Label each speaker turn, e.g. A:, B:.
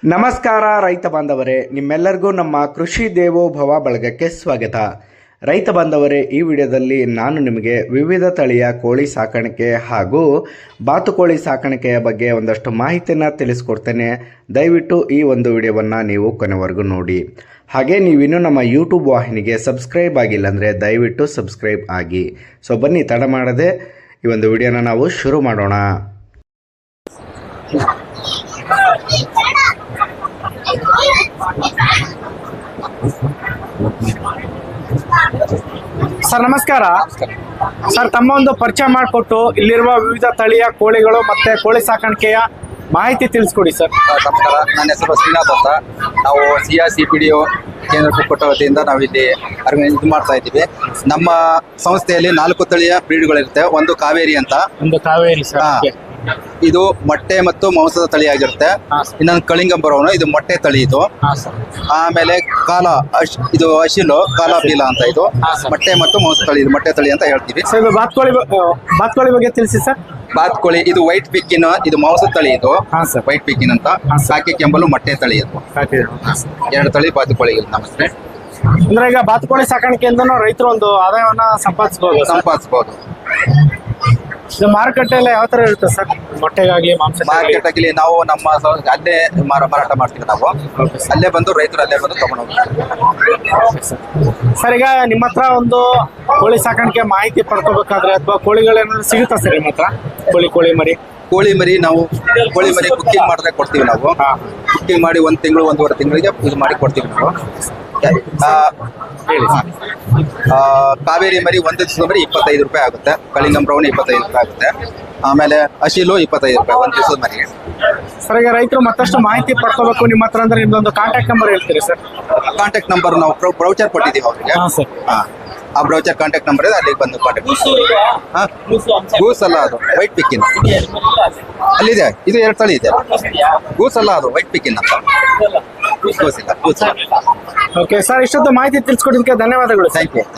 A: ನಮಸ್ಕಾರ ರೈತ ಬಾಂಧವರೇ, ನಿಮ್ಮೆಲ್ಲರಿಗೂ ನಮ್ಮ ಕೃಷಿ ದೇವೋಭವ ಬಳಗಕ್ಕೆ ಸ್ವಾಗತ. ರೈತ ಬಾಂಧವರೇ, ಈ ವಿಡಿಯೋದಲ್ಲಿ ನಾನು ನಿಮಗೆ ವಿವಿಧ ತಳಿಯ ಕೋಳಿ ಸಾಕಾಣಿಕೆ ಹಾಗೂ ಬಾತುಕೋಳಿ ಸಾಕಾಣಿಕೆಯ ಬಗ್ಗೆ ಒಂದಷ್ಟು ಮಾಹಿತಿಯನ್ನು ತಿಳಿಸ್ಕೊಡ್ತೇನೆ. ದಯವಿಟ್ಟು ಈ ಒಂದು ವಿಡಿಯೋವನ್ನು ನೀವು ಕೊನೆವರೆಗೂ ನೋಡಿ. ಹಾಗೆ ನೀವಿನ್ನೂ ನಮ್ಮ ಯೂಟ್ಯೂಬ್ ವಾಹಿನಿಗೆ ಸಬ್ಸ್ಕ್ರೈಬ್ ಆಗಿಲ್ಲ ಅಂದರೆ ದಯವಿಟ್ಟು ಸಬ್ಸ್ಕ್ರೈಬ್ ಆಗಿ. ಸೊ ಬನ್ನಿ, ತಡ ಮಾಡದೆ ಈ ಒಂದು ವಿಡಿಯೋನ ನಾವು ಶುರು ಮಾಡೋಣ.
B: ಸರ್ ನಮಸ್ಕಾರ. ಸರ್, ತಮ್ಮ ಒಂದು ಪರಿಚಯ ಮಾಡಿಕೊಟ್ಟು ಇಲ್ಲಿರುವ ವಿವಿಧ ತಳಿಯ ಕೋಳಿಗಳು ಮತ್ತೆ ಕೋಳಿ ಸಾಕಾಣಿಕೆಯ ಮಾಹಿತಿ ತಿಳಿಸ್ಕೊಡಿ ಸರ್.
C: ನಮಸ್ಕಾರ, ನನ್ನ ಹೆಸರು ಶ್ರೀನಾಥ್ ಅಂತ. ನಾವು CPDO ಕೇಂದ್ರ ಕುಕ್ಕುಟ ವತಿಯಿಂದ ನಾವಿಲ್ಲಿ ಇದು ಮಾಡ್ತಾ ಇದ್ದೀವಿ. ನಮ್ಮ ಸಂಸ್ಥೆಯಲ್ಲಿ 4 ತಳಿಯ ಬ್ರೀಡ್ಗಳಿರುತ್ತೆ. ಒಂದು ಕಾವೇರಿ ಅಂತ,
B: ಒಂದು ಕಾವೇರಿ ಸರ್,
C: ಇದು ಮೊಟ್ಟೆ ಮತ್ತು ಮಾಂಸದ ತಳಿಯಾಗಿರುತ್ತೆ. ಇನ್ನೊಂದು ಕಳಿಂಗ ಬರೋನು, ಇದು ಮೊಟ್ಟೆ ತಳಿ ಇದು. ಆಮೇಲೆ ಇದು ಅಶಿಲು ಕಾಲ ಬೀಲ ಅಂತ, ಇದು ಮೊಟ್ಟೆ ಮತ್ತು ಮಾಂಸ ತಳಿ, ಇದು ಮೊಟ್ಟೆ ತಳಿ ಅಂತ ಹೇಳ್ತೀವಿ.
B: ಸರ್, ಬಾತ್ಕೋಳಿ ಬಗ್ಗೆ ತಿಳಿಸಿ ಸರ್.
C: ಬಾತ್ಕೋಳಿ ಇದು ವೈಟ್ ಪಿಕ್ಕಿನ್, ಇದು ಮಾಂಸ ತಳಿ ಇದು. ವೈಟ್ ಪಿಕ್ಕಿನ್ ಅಂತ. ಸಾಕಿ ಕೆಂಬಲು ಮೊಟ್ಟೆ ತಳಿ ಇದು. 2 ತಳಿ ಬಾತುಕೋಳಿ ನಮಸ್ತೆ.
B: ಅಂದ್ರೆ ಈಗ ಬಾತುಕೋಳಿ ಸಾಕಾಣಿಕೆಯಿಂದ ರೈತರು ಒಂದು ಆದಾಯವನ್ನ ಸಂಪಾದಿಸಬಹುದು. ಮಾರುಕಟ್ಟೆಲ್ಲ ಯಾವ ತರ ಇರುತ್ತೆ ಸರ್? ಮೊಟ್ಟೆಗಾಗ್ಲಿ
C: ಮಾರ್ಕೆಟ್ ನಾವು ನಮ್ಮ ಅಲ್ಲೇ ಮಾರಾಟ ಮಾಡ್ತೀವಿ. ನಾವು ಅಲ್ಲೇ ಬಂದು ರೈತರು ಅಲ್ಲೇ ಬಂದು ತಗೊಂಡು ಹೋಗ್ತೀವಿ.
B: ಸರ್, ಈಗ ನಿಮ್ಮ ಹತ್ರ ಒಂದು ಕೋಳಿ ಸಾಕಾಣಿಕೆ ಮಾಹಿತಿ ಪಡ್ಕೋಬೇಕಾದ್ರೆ ಅಥವಾ ಕೋಳಿಗಳೇನಾದ್ರು ಸಿಗುತ್ತಾ ಸರ್ ನಿಮ್ಮ ಹತ್ರ? ಕೋಳಿ ಮರಿ
C: ನಾವು ಕೋಳಿ ಮರಿ ಕುಕ್ಕಿಂಗ್ ಮಾಡಿದ್ರೆ ಕೊಡ್ತೀವಿ. ನಾವು ಕುಕ್ಕಿಂಗ್ ಮಾಡಿ 1 ತಿಂಗಳು 1.5 ತಿಂಗಳಿಗೆ ಇದು ಮಾಡಿ ಕೊಡ್ತೀವಿ ನಾವು. ಕಾವೇರಿ ಮರಿ 1 ದಿವಸದ ಮರಿ 25 ರೂಪಾಯಿ ಆಗುತ್ತೆ. ಕಳಿಂಗಂ ಬ್ರೌನ್ 25 ರೂಪಾಯಿ ಆಗುತ್ತೆ. ಆಮೇಲೆ ಅಶಿಲು 25 ರೂಪಾಯಿ 1 ದಿವಸದ ಮರಿಗೆ.
B: ಸರ್, ಈಗ ರೈತರು ಮತ್ತಷ್ಟು ಮಾಹಿತಿ ಪಡ್ಕೋಬೇಕು ನಿಮ್ಮ ಹತ್ರ ಅಂದ್ರೆ ನಿಮ್ದೊಂದು ಕಾಂಟ್ಯಾಕ್ಟ್ ನಂಬರ್ ಹೇಳ್ತೀರಿ ಸರ್?
C: ಕಾಂಟ್ಯಾಕ್ಟ್ ನಂಬರ್ ನಾವು ಬ್ರೌಚರ್ ಕೊಟ್ಟಿದ್ದೀವಿ ಅವ್ರಿಗೆ. ಆ ಬ್ರೌಚರ್ ಕಾಂಟ್ಯಾಕ್ಟ್ ನಂಬರ್ ಇದೆ, ಅಲ್ಲಿಗೆ ಬಂದು ಕಾಂಟ್ಯಾಕ್ಟ್. ಗೂಸ್ ಅಲ್ಲ, ಅದು ವೈಟ್ ಪಿಕ್ಕಿನ್ ಅಲ್ಲಿದೆ. ಇದು 2 ತಳಿ ಇದೆ. ಗೂಸ್ ಅಲ್ಲ, ಅದು ವೈಟ್ ಪಿಕ್ಕಿನ್ ಅಂತ. ಗೂಸ್ ಇಲ್ಲ.
B: ಓಕೆ ಸರ್, ಇಷ್ಟೊತ್ತು ಮಾಹಿತಿ ತಿಳಿಸ್ಕೊಡೋದಕ್ಕೆ ಧನ್ಯವಾದಗಳು.
C: Thank you.